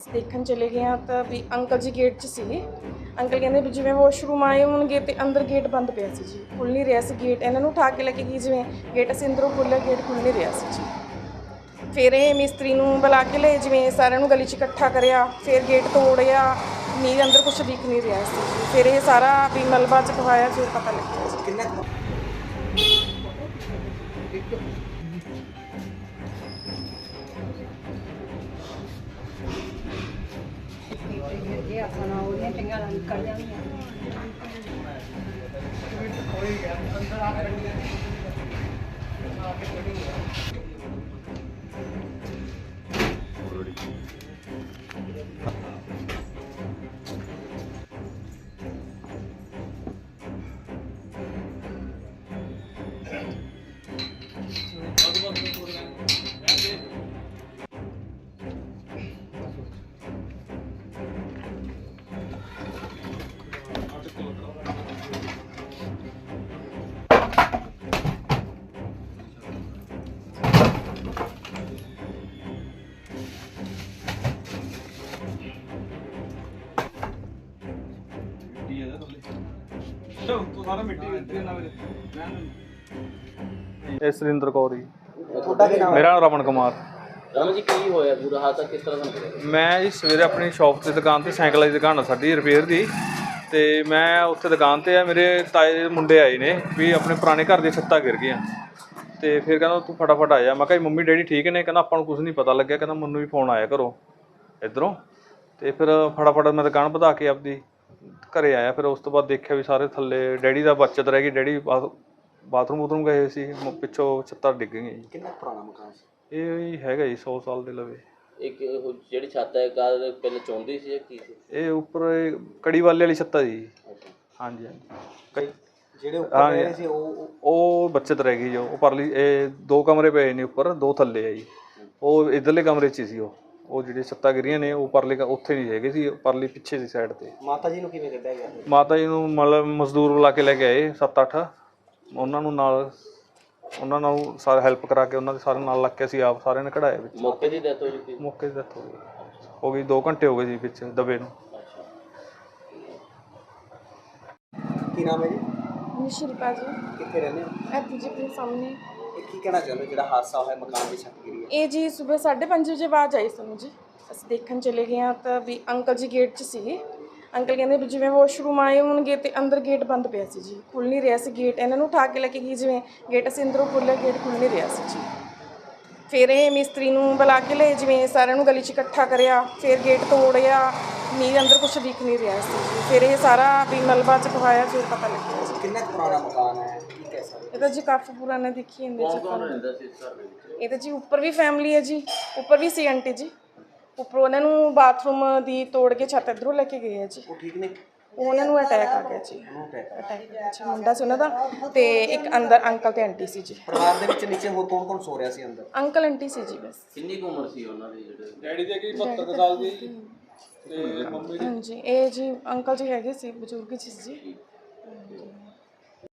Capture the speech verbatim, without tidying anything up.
ਅਸੀਂ ਦੇਖਣ ਚਲੇ ਗਏ ਹਾਂ ਤਾਂ ਵੀ ਅੰਕਲ ਜੀ ਗੇਟ 'ਚ ਸੀਗੇ। ਅੰਕਲ ਕਹਿੰਦੇ ਵੀ ਜਿਵੇਂ ਵਾਸ਼ਰੂਮ ਆਏ ਹੋਣਗੇ ਤੇ ਅੰਦਰ ਗੇਟ ਬੰਦ ਪਿਆ ਸੀ ਜੀ, ਖੁੱਲ੍ਹ ਨਹੀਂ ਰਿਹਾ ਸੀ ਗੇਟ। ਇਹਨਾਂ ਨੂੰ ਉਠਾ ਕੇ ਲੈ ਕੇ ਗਈ, ਜਿਵੇਂ ਗੇਟ ਅਸੀਂ ਅੰਦਰੋਂ ਖੋਲ੍ਹਿਆ, ਗੇਟ ਖੁੱਲ੍ਹ ਨਹੀਂ ਰਿਹਾ ਸੀ ਜੀ। ਫਿਰ ਇਹ ਮਿਸਤਰੀ ਨੂੰ ਬੁਲਾ ਕੇ ਲਏ, ਜਿਵੇਂ ਸਾਰਿਆਂ ਨੂੰ ਗਲੀ 'ਚ ਇਕੱਠਾ ਕਰਿਆ, ਫਿਰ ਗੇਟ ਤੋੜਿਆ, ਨਹੀਂ ਅੰਦਰ ਕੁਛ ਦਿਖ ਨਹੀਂ ਰਿਹਾ ਸੀ ਜੀ। ਫਿਰ ਇਹ ਸਾਰਾ ਵੀ ਮਲਬਾ ਚਕਵਾਇਆ, ਫਿਰ ਪਤਾ ਲੱਗਿਆ ਜੀ। ਕਿੰਨਾ ये अपना उन्हें टिंगा निकल जाएंगे। ਇਹ ਸੁਰਿੰਦਰ ਕੌਰ ਜੀ। ਮੇਰਾ ਨਾਮ ਰਮਨ ਕੁਮਾਰ। ਰਮਨ ਜੀ ਕੀ ਹੋਇਆ ਪੂਰਾ ਹਾਦਸਾ ਕਿਸ ਤਰ੍ਹਾਂ ਦਾ ਹੋਇਆ? ਮੈਂ ਜੀ ਸਵੇਰੇ ਆਪਣੀ ਸ਼ੌਪ 'ਤੇ ਦੁਕਾਨ 'ਤੇ ਸਾਈਕਲਾਂ ਦੀ ਦੁਕਾਨ ਆ ਸਾਡੀ ਰਿਪੇਅਰ ਦੀ, ਅਤੇ ਮੈਂ ਉੱਥੇ ਦੁਕਾਨ 'ਤੇ ਆ। ਮੇਰੇ ਤਾਏ ਦੇ ਮੁੰਡੇ ਆਏ ਨੇ ਵੀ ਆਪਣੇ ਪੁਰਾਣੇ ਘਰ ਦੀਆਂ ਛੱਤਾਂ ਗਿਰ ਗਈਆਂ, ਅਤੇ ਫਿਰ ਕਹਿੰਦਾ ਤੂੰ ਫਟਾਫਟ ਆ ਜਾ। ਮੈਂ ਕਿਹਾ ਮੰਮੀ ਡੈਡੀ ਠੀਕ ਨੇ? ਕਹਿੰਦਾ ਆਪਾਂ ਨੂੰ ਕੁਛ ਨਹੀਂ ਪਤਾ ਲੱਗਿਆ, ਕਹਿੰਦਾ ਮੈਨੂੰ ਵੀ ਫੋਨ ਆਇਆ ਘਰੋਂ ਇੱਧਰੋਂ। ਅਤੇ ਫਿਰ ਫਟਾਫਟ ਮੈਂ ਦੁਕਾਨ ਵਧਾ ਕੇ ਆਪਦੀ ਘਰੇ ਆਇਆ। ਫਿਰ ਉਸ ਤੋਂ ਬਾਅਦ ਦੇਖਿਆ ਵੀ ਸਾਰੇ ਥੱਲੇ ਡੈਡੀ ਦਾ ਬਚਤ ਰਹਿ ਗਈ, ਡੈਡੀ ਬਾਥਰੂਮ ਬੂਥਰੂਮ ਗਏ ਸੀ, ਪਿੱਛੋਂ ਛੱਤਾਂ ਡਿੱਗ ਗਈਆਂ ਜੀ। ਕਿੰਨਾ ਪੁਰਾਣਾ ਮਕਾਨ ਸੀ ਇਹ? ਹੈਗਾ ਜੀ ਸੌ ਸਾਲ ਦੇ ਲਵੇ। ਇੱਕ ਜਿਹੜੀ ਛੱਤ ਹੈ ਕਾਰ ਪਹਿਲਾਂ ਚੌਂਦੀ ਸੀ ਜਾਂ ਕੀ ਸੀ? ਇਹ ਉੱਪਰ ਕੜੀ ਵਾਲੇ ਵਾਲੀ ਛੱਤ ਆ ਜੀ। ਹਾਂਜੀ ਹਾਂਜੀ। ਜਿਹੜੇ ਉੱਪਰ ਰਹੇ ਸੀ ਉਹ ਉਹ ਬੱਚਤ ਰਹਿ ਗਈ ਜੋ ਉਹ ਪਰਲੀ। ਇਹ ਦੋ ਕਮਰੇ ਪਏ ਨੇ ਉੱਪਰ, ਦੋ ਥੱਲੇ ਆ ਜੀ। ਉਹ ਇੱਧਰਲੇ ਕਮਰੇ 'ਚ ਹੀ ਸੀ। ਉਹ ਉਹ ਜਿਹੜੇ ਛੱਤਾਂ ਗਿਰੀਆਂ ਨੇ ਉਹ ਪਰਲੇ ਉੱਥੇ ਨਹੀਂ ਹੈਗੇ ਸੀ, ਪਰਲੀ ਪਿੱਛੇ ਦੀ ਸਾਈਡ 'ਤੇ। ਮਾਤਾ ਜੀ ਨੂੰ ਕਿਵੇਂ ਕੱਢਿਆ ਗਿਆ? ਮਾਤਾ ਜੀ ਨੂੰ ਮਤਲਬ ਮਜ਼ਦੂਰ ਬੁਲਾ ਕੇ ਲੈ ਕੇ ਆਏ ਸੱਤ ਅੱਠ, ਉਹਨਾਂ ਨੂੰ ਨਾਲ ਉਹਨਾਂ ਨਾਲ ਸਾਰਾ ਹੈਲਪ ਕਰਾ ਕੇ ਉਹਨਾਂ ਦੇ ਸਾਰੇ ਨਾਲ ਲੱਗ ਕੇ ਅਸੀਂ ਆਪ ਸਾਰਿਆਂ ਨੇ ਕਢਾਇਆ ਵਿੱਚ। ਮੌਕੇ ਦੀ ਡੈਥ ਹੋ ਚੁੱਕੀ? ਮੌਕੇ ਦੀ ਡੈਥ ਹੋ ਗਈ ਹੋ ਗਈ ਦੋ ਘੰਟੇ ਹੋ ਗਏ ਜੀ ਵਿੱਚ ਦਬੇ ਨੂੰ। ਕੀ ਨਾਮ ਹੈ ਜੀ? ਨਿਸ਼ਿਲਪਾ ਜੀ। ਕਿੱਥੇ ਰਹਿੰਦੇ ਹੋ? ਇੱਥੇ ਜੀ ਆਪਣੇ ਸਾਹਮਣੇ। ਇਹ ਕੀ ਕਹਿਣਾ ਚਾਹੁੰਦੇ ਜਿਹੜਾ ਹਾਦਸਾ ਹੋਇਆ ਮਕਾਨ ਦੀ ਛੱਤ ਗਿਰੀ ਹੈ? ਇਹ ਜੀ ਸਵੇਰ ਸਾਢੇ ਪੰਜ ਵਜੇ ਆਵਾਜ਼ ਆਈ ਸਾਨੂੰ ਜੀ। ਅਸੀਂ ਦੇਖਣ ਚਲੇ ਗਏ ਹਾਂ ਤਾਂ ਵੀ ਅੰਕਲ ਜੀ ਗੇਟ 'ਚ ਸੀਗੇ। ਅੰਕਲ ਕਹਿੰਦੇ ਵੀ ਜਿਵੇਂ ਵਾਸ਼ਰੂਮ ਆਏ ਹੋਣਗੇ ਤੇ ਅੰਦਰ ਗੇਟ ਬੰਦ ਪਿਆ ਸੀ ਜੀ, ਖੁੱਲ੍ਹ ਨਹੀਂ ਰਿਹਾ ਸੀ ਗੇਟ। ਇਹਨਾਂ ਨੂੰ ਉਠਾ ਕੇ ਲੈ ਕੇ ਗਈ, ਜਿਵੇਂ ਗੇਟ ਅਸੀਂ ਅੰਦਰੋਂ ਖੋਲ੍ਹਿਆ, ਗੇਟ ਖੁੱਲ੍ਹ ਨਹੀਂ ਰਿਹਾ ਸੀ ਜੀ। ਫਿਰ ਇਹ ਮਿਸਤਰੀ ਨੂੰ ਬੁਲਾ ਕੇ ਲਏ, ਜਿਵੇਂ ਸਾਰਿਆਂ ਨੂੰ ਗਲੀ 'ਚ ਇਕੱਠਾ ਕਰਿਆ, ਫਿਰ ਗੇਟ ਤੋੜਿਆ, ਨਹੀਂ ਅੰਦਰ ਕੁਛ ਦਿਖ ਨਹੀਂ ਰਿਹਾ ਸੀ ਜੀ। ਫਿਰ ਇਹ ਸਾਰਾ ਵੀ ਮਲਬਾ ਚਕਵਾਇਆ, ਫਿਰ ਪਤਾ ਲੱਗਿਆ ਜੀ। ਕਿੰਨਾ ਪੁਰਾਣਾ ਮਕਾਨ ਹੈ? ਕੀ ਕਹਿ ਸਕਦੇ? ਇਹ ਤਾਂ ਜੀ ਕਾਫੀ ਪੁਰਾਣਾ ਦੇਖੀ ਜਾਂਦੇ ਜੀ। ਕੌਣ ਰਹਿੰਦਾ ਸੀ ਇਸ ਘਰ ਦੇ ਵਿੱਚ? ਇਹ ਤਾਂ ਜੀ ਉੱਪਰ ਵੀ ਫੈਮਿਲੀ ਹੈ ਜੀ, ਉੱਪਰ ਵੀ ਸੀ ਆਂਟੀ ਜੀ। ਉੱਪਰੋਂ ਉਹਨਾਂ ਨੂੰ ਬਾਥਰੂਮ ਦੀ ਤੋੜ ਕੇ ਛੱਤ ਇੱਧਰੋਂ ਲੈ ਕੇ ਗਏ ਆ ਜੀ। ਉਹ ਠੀਕ ਨੇ? ਉਹਨਾਂ ਨੂੰ ਅਟੈਕ ਆ ਗਿਆ ਜੀ। ਅਟੈਕ ਅੱਛਾ ਮੁੰਡਾ ਸੀ ਉਹਨਾਂ ਦਾ, ਤੇ ਇੱਕ ਅੰਦਰ ਅੰਕਲ ਤੇ ਆਂਟੀ ਸੀ ਜੀ। ਪਰਿਵਾਰ ਦੇ ਵਿੱਚ ਨੀਚੇ ਹੋਰ ਕੌਣ ਕੌਣ ਸੋ ਰਿਹਾ ਸੀ ਅੰਦਰ? ਅੰਕਲ ਆਂਟੀ ਸੀ ਜੀ ਬਸ। ਕਿੰਨੀ ਕੁ ਉਮਰ ਸੀ ਉਹਨਾਂ ਦੀ? ਜਿਹੜੇ ਡੈਡੀ ਦੀ ਹੈਗੀ ਬਹੱਤਰ ਸਾਲ ਦੀ ਤੇ ਮੰਮੀ ਹਾਂਜੀ ਇਹ ਜੀ ਅੰਕਲ ਜੀ ਹੈਗੇ ਸੀ, ਬਜ਼ੁਰਗ ਸੀ ਜੀ।